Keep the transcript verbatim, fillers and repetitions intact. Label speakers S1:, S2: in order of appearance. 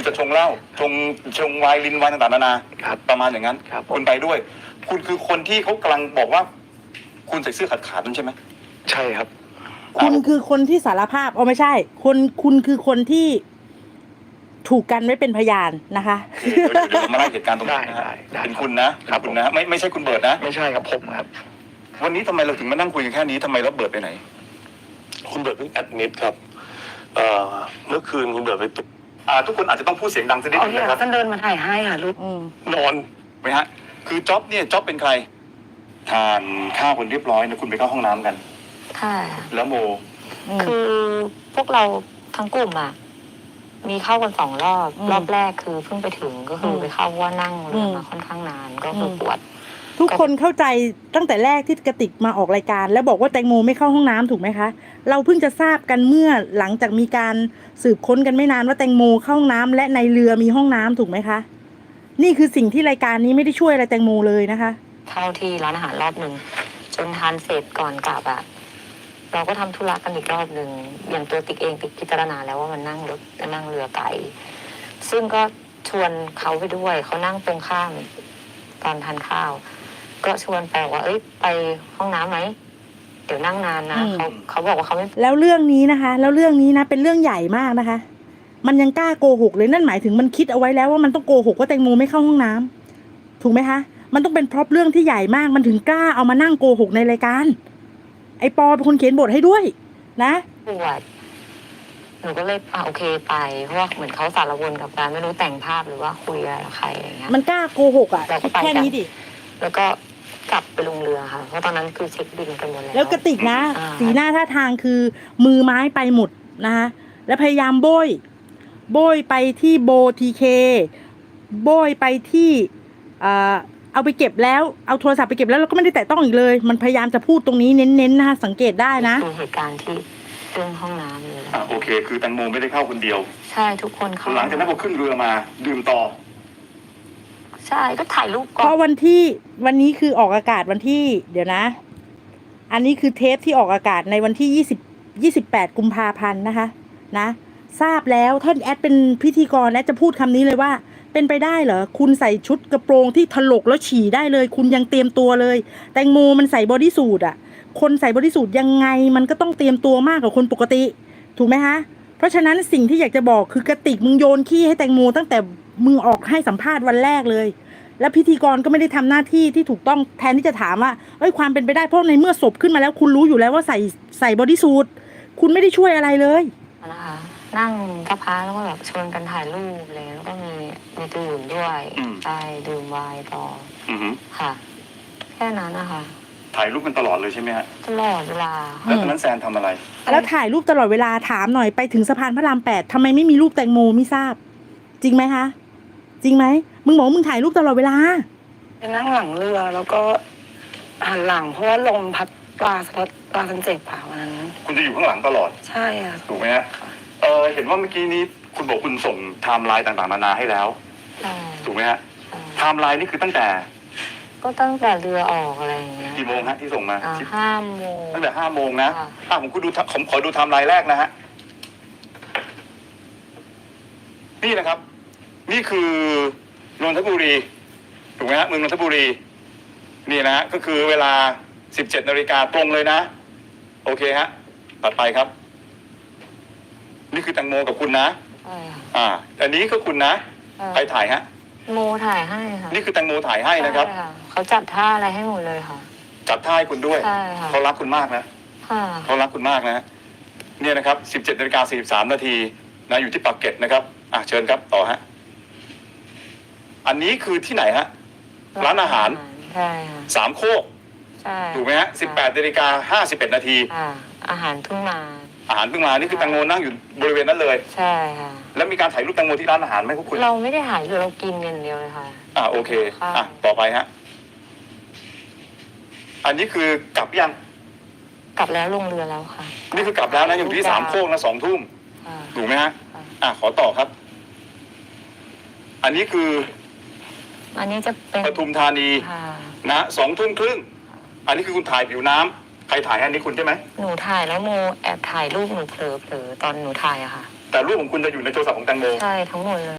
S1: จะชงเหล้าชงชงไวน์ลินไวน์ต่างๆนานาประมาณอย่างนั้นคุณไปด้วยคุณคือคนที่เขากำลังบอกว่าคุณใส่เสื้อขาดขาดนั่นใช่ไหม
S2: ใช่ครับ
S3: คุณคือคนที่สารภาพอ๋อไม่ใช่คนคุณคือคนที่ถูกกันไว้เป็นพยานนะคะ
S1: เดี๋ยวเรามาไล่เหตุการณ์ตรงนี้นะฮะเป็นคุณนะคุณนะไม่ไม่ใช่คุณเบิร์ดนะ
S2: ไม่ใช่ครับผมครับ
S1: วันนี้ทำไมเราถึงมานั่งคุยกันแค่นี้ทำไมเราเบิร์ดไปไหน
S2: คุณเบิร์ดเพิ่งแอดมิดครับเเมื่อคืนคุณเบิร์ดไปตุก
S1: ทุกคนอาจจะต้องพูดเสียงดังสักนิดนึงนะครับ
S4: ท่านเดินมาถ่ายให้ค่ะลูก
S1: นอนไหมฮะคือจ๊อบเนี่ยจ๊อบเป็นใครทานข้าวคนเรียบร้อยนะคุณไปเข้าห้องน้ำกัน
S4: ค่ะ
S1: แล้วโม
S4: คือพวกเราทั้งกลุ่มอ่ะมีเข้ากันสองรอบรอบแรกคือเพิ่งไปถึงก็คือไปเข้าว่านั่งเรือมาค่อนข้างนานก็คือปวด
S3: ทุกคนเข้าใจตั้งแต่แรกที่กระติกมาออกรายการแล้วบอกว่าแตงโมไม่เข้าห้องน้ำถูกไหมคะเราเพิ่งจะทราบกันเมื่อหลังจากมีการสืบค้นกันไม่นานว่าแตงโมเข้าห้องน้ำและในเรือมีห้องน้ำถูกไหมคะนี่คือสิ่งที่รายการนี้ไม่ได้ช่วยอะไรแตงโมเลยนะคะ
S4: เข้าที่ร้านอาหารรอบหนึ่งจนทานเสร็จก่อนกลับอะเราก็ทำธุระกันอีกรอบหนึ่งอย่างตัวติ๊กเองติ๊กพิจารณาแล้วว่ามันนั่งรถนั่งเรือไกลซึ่งก็ชวนเขาไปด้วยเขานั่งตรงข้ามตอนทานข้าวก็ชวนไปว่าเอ้ยไปห้องน้ำไหมเดี๋ยวนั่งนานนะเขาเขาบอกว่าเขาไม่
S3: แล้วเรื่องนี้นะคะแล้วเรื่องนี้นะเป็นเรื่องใหญ่มากนะคะมันยังกล้าโกหกเลยนั่นหมายถึงมันคิดเอาไว้แล้วว่ามันต้องโกหกว่าแตงโมไม่เข้าห้องน้ำถูกไหมคะมันต้องเป็นเพราะเรื่องที่ใหญ่มากมันถึงกล้าเอามานั่งโกหกในรายการไอปอเป็นคนเขียนบทให้ด้วยนะ
S4: ปวดหนูก็เลยอ่าโอเคไปเพราะว่าเหมือนเขาสารวนกับการไม่รู้แต่งภาพหรือว่าคุยอะไรกับใครอะไรเงี้ย
S3: มันกล้าโกหกอ่ะแค่นี้ดิ
S4: แล้วก็กลับไปลงเรือค่ะเพราะตอนนั้นคือเช็คบินกันหมดแล้ว
S3: แล้วกระติกนะสีหน้าท่าทางคือมือไม้ไปหมดนะคะแล้วพยายามโบยโบยไปที่โบทีเคโบยไปที่อ่าเอาไปเก็บแล้วเอาโทรศัพท์ไปเก็บแล้วเราก็ไม่ได้แตะต้องอีกเลยมันพยายามจะพูดตรงนี้เน้นๆนะคะสังเกตได้นะ
S4: คือเหตุการณ์ที่เรื่องห้องน้ำเลย
S1: อ่าโอเคคือแตงโมไม่ได้เข้าคนเดียว
S4: ใช่ทุกคนเข้า
S1: หลังจากนั้นพอขึ้นเรือมาดื่มต่อ
S4: ใช่ก็ถ่ายรูป
S3: ก่อนเพราะวันที่วันนี้คือออกอากาศวันที่เดี๋ยวนะอันนี้คือเทปที่ออกอากาศในวันที่ยี่สิบ ยี่สิบแปดกุมภาพันธ์นะคะนะทราบแล้วท่านแอดเป็นพิธีกรแอดจะพูดคำนี้เลยว่าเป็นไปได้เหรอคุณใส่ชุดกระโปรงที่ถลกแล้วฉี่ได้เลยคุณยังเตรียมตัวเลยแตงโมมันใส่บอดี้สูทอ่ะคนใส่บอดี้สูทยังไงมันก็ต้องเตรียมตัวมากกว่าคนปกติถูกไหมคะเพราะฉะนั้นสิ่งที่อยากจะบอกคือกระติกมึงโยนขี้ให้แตงโมตั้งแต่มึงออกให้สัมภาษณ์วันแรกเลยแล้วพิธีกรก็ไม่ได้ทำหน้าที่ที่ถูกต้องแทนที่จะถามว่าเอ้ยความเป็นไปได้เพราะในเมื่อศพขึ้นมาแล้วคุณรู้อยู่แล้วว่าใส่ใส่บอดี้สูทคุณไม่ได้ช่วยอะไรเลย
S4: นะคะนั่งกระพาแล้วก็แบบชวนกันถ่ายรูปอะไรแล้วก็มีมีดื่มด้วยใช่ดื่มไวน์ต่อค่ะแค่นั้นนะคะ
S1: ถ่ายรูปกันตลอดเลยใช่ไหมฮะ
S4: ตลอดเวลา
S1: แล้วตอนนั้นแซนทำอะไร
S3: แล้วถ่ายรูปตลอดเวลาถามหน่อยไปถึงสะพานพระรามแปดทำไมไม่มีรูปแตงโมไม่ทราบจริงไหมคะจริงไหมมึงบอกมึงถ่ายรูปตลอดเวลา
S4: ไปนั่งหลังเรือแล้วก็หันหลังเพราะว่าลมพัดปลาสะพัดปลาสันเจ็บป่าวันนั้น
S1: คุณจะอยู่ข้างหลังตลอด
S4: ใช่ค่ะ
S1: ถูกไหมฮะเออเห็นว่าเมื่อกี้นี้คุณบอกคุณส่งไทม์ไลน์ต่างๆนานาให้แล้วถูกไหมฮะไทม์ไลน์นี่คือตั้งแต่
S4: ก็ตั้งแต่เรือออกอะไรอย่างเงี้ย
S1: กี่โมงฮะที่ส่งมา
S4: ห้าโมง
S1: ตั้งแต่ห้าโมงนะอ่าผมคุณดูผมขอดูไทม์ไลน์แรกนะฮะนี่นะครับ นี่คือนนทบุรีถูกไหมฮะเมืองนนทบุรีนี่นะฮะก็คือเวลาสิบเจ็ดนาฬิกาตรงเลยนะโอเคฮะตัดไปครับนี่คือแตงโมกับคุณนะอ่าอันนี้ก็คุณนะใครถ่ายฮะ
S4: โมถ่ายให้ค่ะ
S1: นี่คือแตงโมถ่ายให้นะครับ
S4: เขาจัดท่าอะไรให้หมดเลยค่ะ
S1: จัดท่าให้คุณด้วยเขารักคุณมากนะเขารักคุณมากนะเนี่ยนะครับสิบเจ็ดนาฬิกาสี่สิบสามนาทีนะอยู่ที่ปากเกร็ดนะครับอ่ะเชิญครับต่อฮะอันนี้คือที่ไหนฮะร้านอาหาร
S4: ใช่
S1: สามโคก
S4: ใช่
S1: ถูกไหมฮะสิบแปดนาฬิกาห้าสิบเอ็ดนาที
S4: อาหารทุ่งนา
S1: อาหารเพิ่งมานี่คือแตงโมนั่งอยู่บริเวณนั้นเลย
S4: ใช่ค่ะ
S1: แล้วมีการถ่ายรูปแตงโมที่ร้านอาหารไหมพวกคุณ
S4: เราไม่ได้ถ่ายเรากินอย่างเดียวเลยค่ะ
S1: อ่าโอเคอ่ะต่อไปฮะอันนี้คือกลับยัง
S4: กลับแล้วลงเรือแล้วค่ะ
S1: นี่คือกลับแล้วนะอยู่ที่สามโคกนะสองทุ่มถูกไหมฮะอ่ะขอต่อครับอันนี้คือ
S4: อันนี้จะเป็น
S1: ปทุมธานีนะสองทุ่มครึ่งอันนี้คือคุณถ่ายผิวน้ำใครถ่ายอันนี้คุณใช่ไหม
S4: หนูถ่ายแล้วโมแอบถ่ายรูปหนูเผลอๆตอนหนูถ่ายอะค่ะ
S1: แต่รูปของคุณจะอยู่ในโทรศัพท์ของแตงโม
S4: ใช่ทั้งหมดเลย